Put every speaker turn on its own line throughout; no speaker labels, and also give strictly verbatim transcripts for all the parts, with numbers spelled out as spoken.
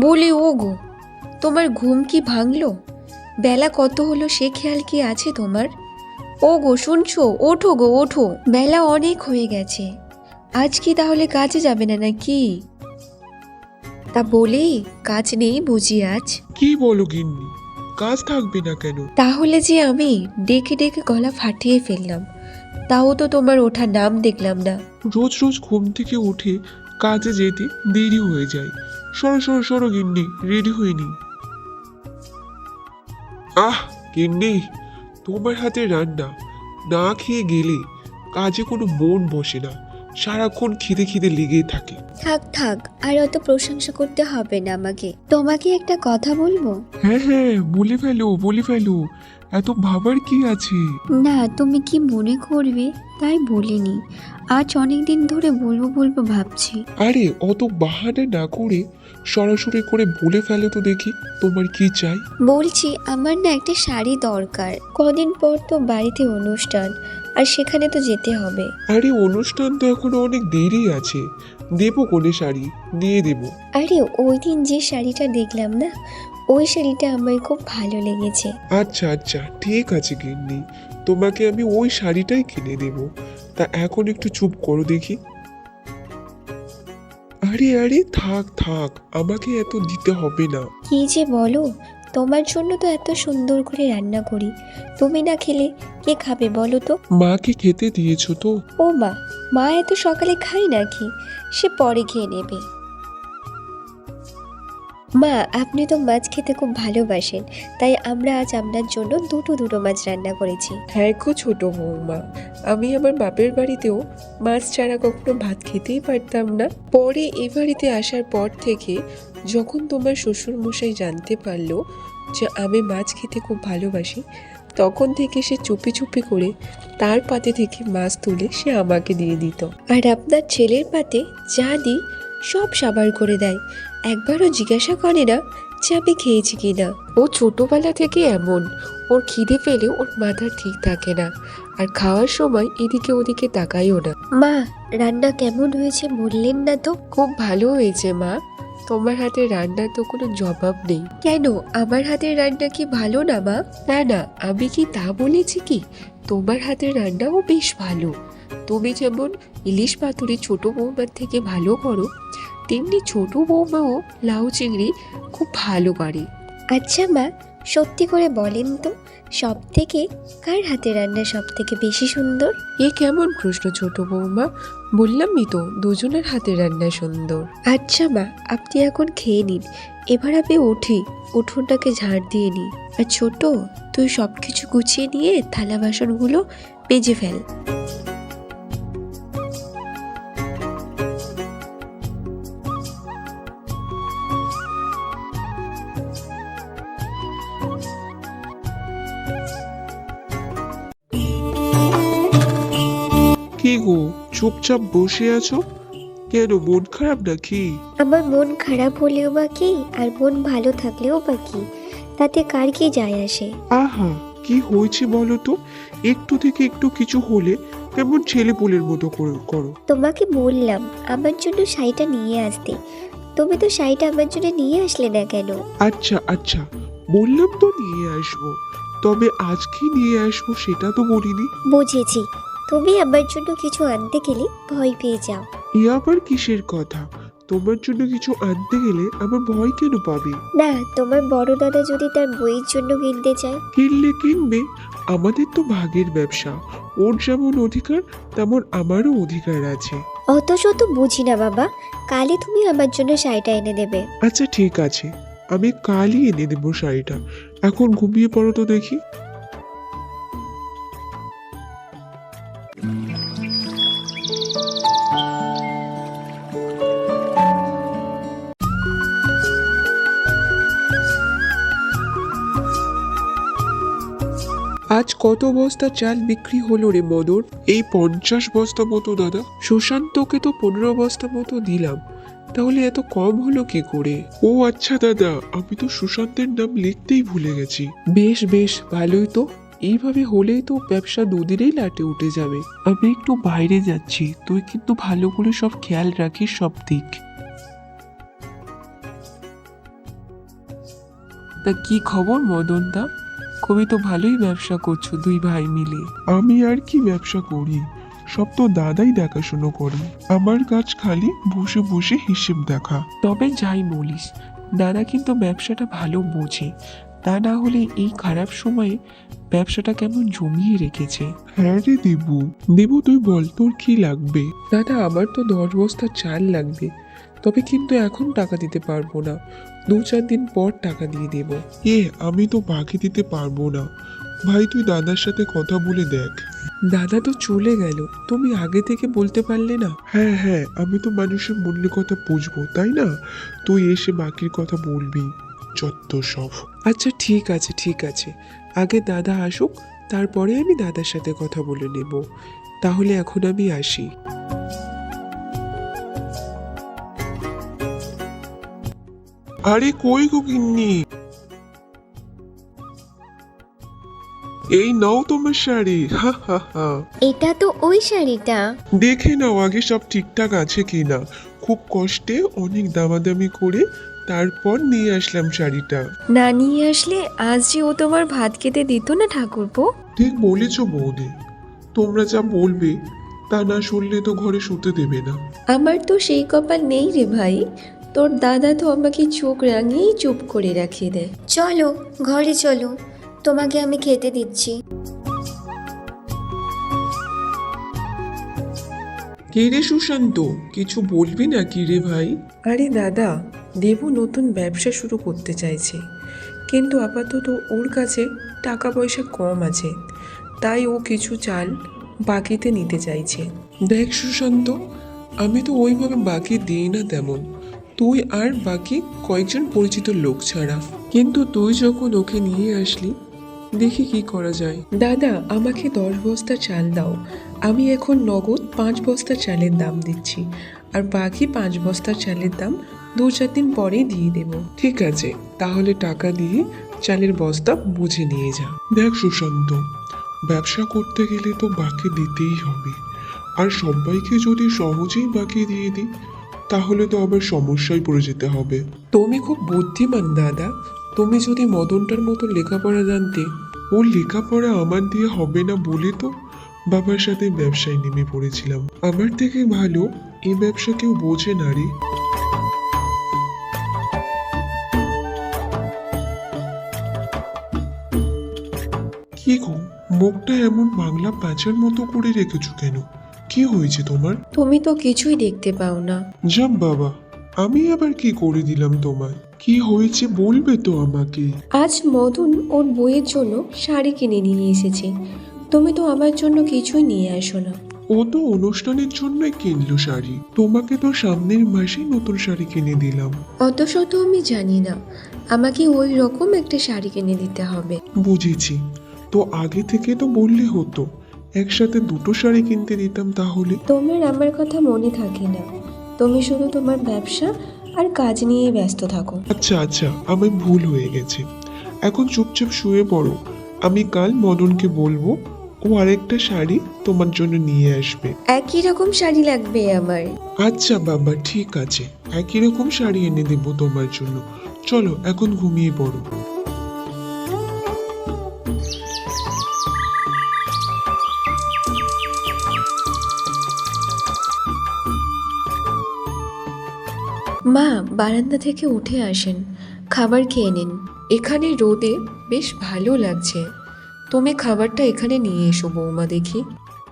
বলি ও গো, তোমার ঘুম কি ভাঙলো? বেলা কত হলো সে খেয়াল কি আছে তোমার? ও গো শুনছো, ওঠো গো ওঠো, বেলা অনেক হয়ে গেছে। আজ কি তাহলে কাজে যাবে না নাকি? তা বলি, কাজ নেই বুঝি আজ?
কি বলো গিন্নি, কাজ থাকবে না কেন?
তাহলে যে আমি ডেকে ডেকে গলা ফাটিয়ে ফেললাম, তাও তো তোমার ওঠার নাম দেখলাম না।
রোজ রোজ ঘুম থেকে উঠে কাজে যেতে দেরি হয়ে যায়। সরো সরো সরো গিন্নি, রেডি হয়নি। আহ গিন্নি, তোমার হাতে রান্না না খেয়ে গেলে কাজে কোনো মন বসে না, সারাক্ষণ খিদে খিদে লেগেই থাকে।
থাক থাক, আর অত প্রশংসা করতে হবে না আমাকে। তোমাকে একটা কথা বলবো?
হ্যাঁ হ্যাঁ, বলে ফেলো বলে ফেলো, এত ভাবার কি আছে?
না, তুমি কি মনে করবে তাই বলিনি। আজ অনেক দিন ধরে বলবো বলবো ভাবছি।
আরে অত বাহানা না করে সরাসরি করে বলে ফেলো তো দেখি, তোমার কি চাই?
বলছি, আমার না একটা শাড়ি দরকার। কদিন পর তো বাড়িতে অনুষ্ঠান, আর সেখানে তো যেতে হবে।
আরে অনুষ্ঠান তো এখনো অনেক দেরি আছে, দেবো কোনে শাড়ি, দিয়ে দেবো।
আরে ওই দিন যে শাড়িটা দেখলাম না, ওই শাড়িটা আমার খুব ভালো লেগেছে।
আচ্ছা আচ্ছা ঠিক আছে গিন্নি, তোমাকে আমি ওই শাড়িটাই কিনে দেব। তা এখন একটু চুপ করো দেখি। আরে আরে থাক থাক, আমাকে এত দিতে হবে না।
কি যে বলো, তোমার জন্য তো এত সুন্দর করে রান্না করি, তুমি না খেলে কে খাবে বলো তো?
মাকে খেতে দিয়েছো তো?
ও মা, মা এত সকালে খায় নাকি? সে পরে খেয়ে নেবে। মা, আপনি তো মাছ খেতে খুব ভালোবাসেন, তাই আমরা আজ আপনার জন্য দুটো দুটো মাছ রান্না করেছি।
হ্যাঁ গো ছোট বৌমা, আমি আমার বাপের বাড়িতেও মাছ ছাড়া কখনো ভাত খেতেই পারতাম না। পরে এ বাড়িতে আসার পর থেকে যখন তোমার শ্বশুর মশাই জানতে পারলো যে আমি মাছ খেতে খুব ভালোবাসি, তখন থেকে সে চুপি চুপি করে তার পাতে থেকে মাছ তুলে সে আমাকে দিয়ে দিত। আর আপনার ছেলের পাতে যা দিই সব সাবার করে দেয়, একবারও জিজ্ঞাসা করে না যে আমি খেয়েছি কিনা। ও ছোটবেলা থেকে এমন, ওর খিদে পেলে ওর মাথা ঠিক থাকে না, আর খাওয়ার সময় এদিকে ওদিকে তাকাইও না।
মা, রান্না কেমন হয়েছে বললেন না তো?
খুব ভালো হয়েছে মা, তোমার হাতের রান্নার তো কোনো জবাব নেই। কেন, আমার হাতের রান্না কি ভালো না মা? না না, আমি কি তা বলেছি কি? তোমার হাতের রান্নাও বেশ ভালো। তুমি যেমন ইলিশ পাতুরি ছোট বৌমার থেকে ভালো করো, তেমনি ছোট বৌমাও লাউ চিংড়ি খুব ভালো পারে।
আচ্ছা মা, সত্যি করে বলেন তো, সব থেকে কার হাতে রান্না সব থেকে বেশি সুন্দর?
এ কেমন প্রশ্ন ছোট বৌমা, বললামই তো দুজনের হাতের রান্না সুন্দর। আচ্ছা মা, আপনি এখন খেয়ে নিন, এবার আমি উঠি, উঠোনটাকে ঝাড় দিয়ে নিই। আর ছোট, তুই সব কিছু গুছিয়ে নিয়ে থালা বাসনগুলো মেজে ফেল।
কি গো, চুপচাপ বসে আছো কেন? মন খারাপ নাকি?
আমার মন খারাপ হলেও বা কি, আর মন ভালো থাকলেও বা কি, তাতে কার কি যায় আসে?
আহা, কি হয়েছে বলো তো? একটু থেকে একটু কিছু হলে কেমন ছেলে পুলের মতো করে- করো।
তোমাকে বললাম আমার জন্য শাড়িটা নিয়ে আসতে, তুমি তো শাড়িটা আমার জন্য নিয়ে আসলে না কেন?
আচ্ছা আচ্ছা, বললাম তো নিয়ে আসবো, তবে আজকে নিয়ে আসবো সেটা তো বলিনি।
বুঝেছি, তুমি আমার জন্য কিছু আনতে গেলে ভয় পেয়ে যাও।
এ আবার কিসের কথা? তোমার জন্য কিছু আনতে গেলে আমার ভয় কেন পাবে?
না, তোমার বড় দাদা যদি তার বইয়ের জন্য কিনতে চায়?
কিনলে কিনবে, আমাদের তো ভাগের ব্যবসা, ওর যেমন অধিকার তেমন আমারও অধিকার আছে।
অত শত বুঝি না বাবা, কালই তুমি আমার জন্য শাড়িটা এনে দেবে।
আচ্ছা ঠিক আছে, আমি কালই এনে দেবো শাড়িটা। এখন ঘুমিয়ে পড়ো তো দেখি। আজ কত বস্তা চাল বিক্রি হলো রে মদন? এই পঞ্চাশ বস্তা মতো দাদা। সুশান্তকে তো পনেরো বস্তা মতো দিলাম, তাহলে এত কম হলো কি করে? ও আচ্ছা দাদা, আমি তো সুশান্তের নাম লিখতেই ভুলে গেছি। বেশ বেশ, ভালোই তো, এইভাবে হলেই তো ব্যবসা দুদিনেই লাটে উঠে যাবে। আমি একটু বাইরে যাচ্ছি, তুই কিন্তু ভালো করে সব খেয়াল রাখিস সব দিক।
তা কি খবর মদন দা? খুবই তো ভালোই ব্যবসা করছো দুই ভাই মিলে।
আমি আর কি ব্যবসা করি, সব তো দাদাই দেখাশুনো করে। আমার কাজ খালি বসে বসে হিসেব দেখা।
তবে যাই বলিস, দাদা কিন্তু ব্যবসাটা ভালো বোঝে। তা না হলে এই খারাপ সময়ে ব্যবসাটা কেমন জমিয়ে রেখেছে।
হ্যাঁ রে দেবু, দেবু তুই বল তোর কি লাগবে?
দাদা আমার তো দশ বস্তা চাল লাগবে, তবে কিন্তু এখন টাকা দিতে পারবো না, দু চার দিন পর টাকা দিয়ে দেব।
এ আমি তো বাকি দিতে পারবো না ভাই, তুই দাদার সাথে কথা বলে দেখ।
দাদা তো চলে গেল, তুমি আগে থেকে বলতে পারলে না?
হ্যাঁ হ্যাঁ, আমি তো মানুষের মনের কথা বুঝবো তাই না, তুই এসে বাকির কথা বলবি, যত সব।
আচ্ছা ঠিক আছে ঠিক আছে, আগে দাদা আসুক, তারপরে আমি দাদার সাথে কথা বলে নেব। তাহলে এখন আমি আসি।
আরে কই গো গিন্নি, এই নাও তোমার শাড়ি। হা হা হা,
এটা তো ওই শাড়িটা।
দেখে নাও আগে সব ঠিকঠাক আছে কিনা। খুব কষ্টে অনেক দামাদামি করে তারপর নিয়ে আসলাম শাড়িটা।
না নিয়ে আসলে আজ যে ও তোমার ভাত খেতে দিত না ঠাকুরপো।
ঠিক বলেছ বৌদি, তোমরা যা বলবে তা না শুনলে তো ঘরে শুতে দেবে না।
আমার তো সেই কপাল নেই রে ভাই, তোর দাদা তো আমাকে চোখ রাঙিয়েই চুপ করে রাখিয়ে দেয়। চলো ঘরে চলো, তোমাকে আমি খেতে দিচ্ছি।
কে রে সুশান্ত, কিছু বলবি না কি রে ভাই?
আরে দাদা, দেবু নতুন ব্যবসা শুরু করতে চাইছে, কিন্তু আপাতত ওর কাছে টাকা পয়সা কম আছে, তাই ও কিছু চাল বাকিতে নিতে চাইছে। দেখ সুশান্ত, আমি তো ওইভাবে বাকি দিই না তেমন, তুই আর বাকি কয়েকজন পরিচিত লোক ছাড়া। কিন্তু তুই যখন ওকে নিয়ে আসলি, দেখি কি করা যায়। দাদা আমাকে দশ বস্তা চাল দাও, আমি এখন নগদ পাঁচ বস্তা চালের দাম দিচ্ছি, আর বাকি পাঁচ বস্তা চালের দাম দু চার দিন পরেই দিয়ে দেব। ঠিক আছে, তাহলে টাকা দিয়ে চালের বস্তা বুঝে নিয়ে যা।
দেখ সুশান্ত, ব্যবসা করতে গেলে তো বাকি দিতেই হবে, আর সবাইকে যদি সহজেই বাকি দিয়ে দিই তাহলে তো আবার সমস্যায় পড়ে যেতে হবে।
তুমি খুব বুদ্ধিমান দাদা, তুমি যদি মদনটার মতো লেখাপড়া জানতে।
ওর লেখাপড়া আমার দিয়ে হবে না বলে তো বাবার সাথে ব্যবসায় নেমে পড়েছিলাম। আমার থেকে ভালো এই ব্যবসা কেউ বোঝে না রে। কি গো, মুখটা এমন বাংলা প্যাঁচার মতো করে রেখেছো কেন? কি হয়েছে তোমার?
তুমি তো কিছুই দেখতে পাও না।
যাম বাবা, আমি আবার কি করে দিলাম তোমায়? কি হয়েছে বলবে তো আমাকে?
আজ মদন ওর বইয়ের জন্য শাড়ি কিনে নিয়ে এসেছে, তুমি তো আমার জন্য কিছুই নিয়ে আসো না।
ও তো অনুষ্ঠানের জন্যই কিনলো শাড়ি, তোমাকে তো সামনের মাসেই নতুন শাড়ি কিনে দিলাম।
অত শত আমি জানি না, আমাকে ওই রকম একটা শাড়ি কিনে দিতে হবে।
বুঝেছি, তো আগে থেকে তো বললে হতো, একসাথে দুটো শাড়ি কিনতে দিতাম তাহলে।
তোমার আমার কথা মনে থাকে না, তুমি শুধু তোমার ব্যবসা আর কাজ নিয়ে ব্যস্ত থাকো।
আচ্ছা আচ্ছা, আমার ভুল হয়ে গেছে, এখন চুপচাপ শুয়ে পড়ো। আমি কাল মদনকে বলবো ও আরেকটা শাড়ি তোমার জন্য নিয়ে আসবে।
একই রকম শাড়ি লাগবে আমার।
আচ্ছা বাবা ঠিক আছে, একই রকম শাড়ি এনে দেবো তোমার জন্য। চলো এখন ঘুমিয়ে পড়ো।
মা বারান্দা থেকে উঠে আসেন, খাবার খেয়ে নিন।
এখানে রোদে বেশ ভালো লাগছে, তুমি খাবারটা এখানে নিয়ে এসো বৌমা দেখি।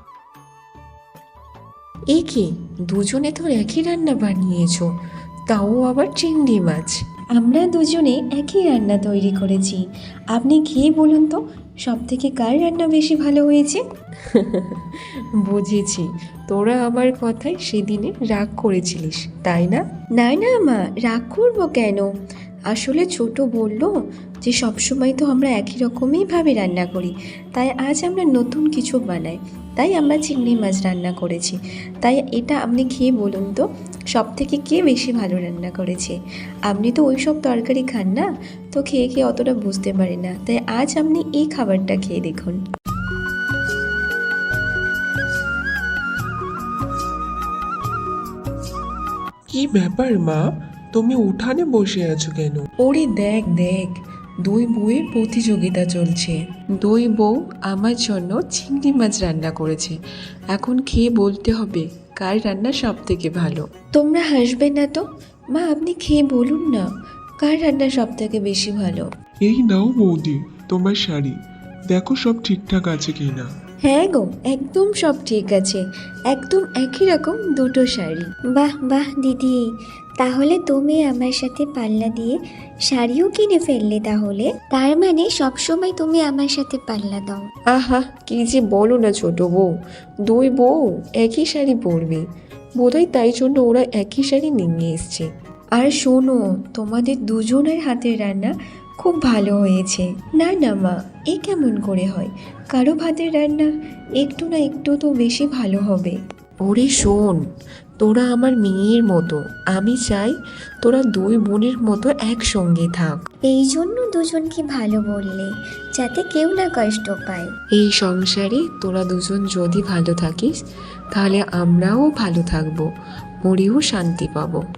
এ কি, দুজনে তো একই রান্না বানিয়েছো, তাও আবার চিংড়ি মাছ।
আমরা দুজনে একই রান্না তৈরি করেছি, আপনি খেয়ে বলুন তো সব থেকে কার রান্না বেশি ভালো হয়েছে।
বুঝেছি, তোরা আমার কথায় সেদিনে রাগ করেছিলিস তাই না?
না না মা, রাগ করবো কেন? আসলে ছোট বলল যে সবসময় তো আমরা একই রকমই ভাবে রান্না করি, তাই আজ আমরা নতুন কিছু বানাই, তাই আমরা চিংড়ি মাছ রান্না করেছি। তাই এটা আপনি খেয়ে বলুন তো সব থেকে কে বেশি ভালো রান্না করেছে। আপনি তো ওই সব তরকারি খান না, তো খেয়ে খেয়ে অতটা বুঝতে পারেন না, তাই আজ আপনি এই খাবারটা খেয়ে দেখুন।
কি ব্যাপার মা, তুমি উঠানে বসে আছো কেন? ওরে দেখ দেখ, দুই বউয়ের প্রতিযোগিতা চলছে। দুই বউ আমার জন্য চিংড়ি মাছ রান্না করেছে। এখন খেয়ে বলতে হবে কার রান্না সব থেকে ভালো।
তোমরা হাসবে না তো? মা, আপনি খেয়ে বলুন না, কার রান্না সব থেকে বেশি ভালো?
এই নাও বৌদি তোমার শাড়ি, দেখো সব ঠিকঠাক আছে কিনা।
হ্যাঁ গো, একদম সব ঠিক আছে, একদম একই রকম দুটো শাড়ি।
বাহ বাহ দিদি, তাহলে তুমি আমার সাথে পাল্লা দিয়ে শাড়িও কিনে ফেললে তাহলে? তার মানে সবসময় তুমি আমার সাথে পাল্লা দাও?
আহা, কি যে বলো না ছোট বউ, দুই বউ একই শাড়ি পরবে, বোধহয় তাই জন্য ওরা একই শাড়ি নিয়ে এসছে।
আর শোনো, তোমাদের দুজনের হাতের রান্না খুব ভালো হয়েছে। না না মা, এ কেমন করে হয়? কারো ভাতের রান্না একটু না একটু তো বেশি ভালো হবে।
ওরে শোন, তোরা আমার মেয়ের মতো, আমি চাই তোরা দুই বোনের মতো একসঙ্গে থাক।
এই জন্য দুজনকে ভালো বললে, যাতে কেউ না কষ্ট পায়।
এই সংসারে তোরা দুজন যদি ভালো থাকিস তাহলে আমরাও ভালো থাকবো, মরেও শান্তি পাবো।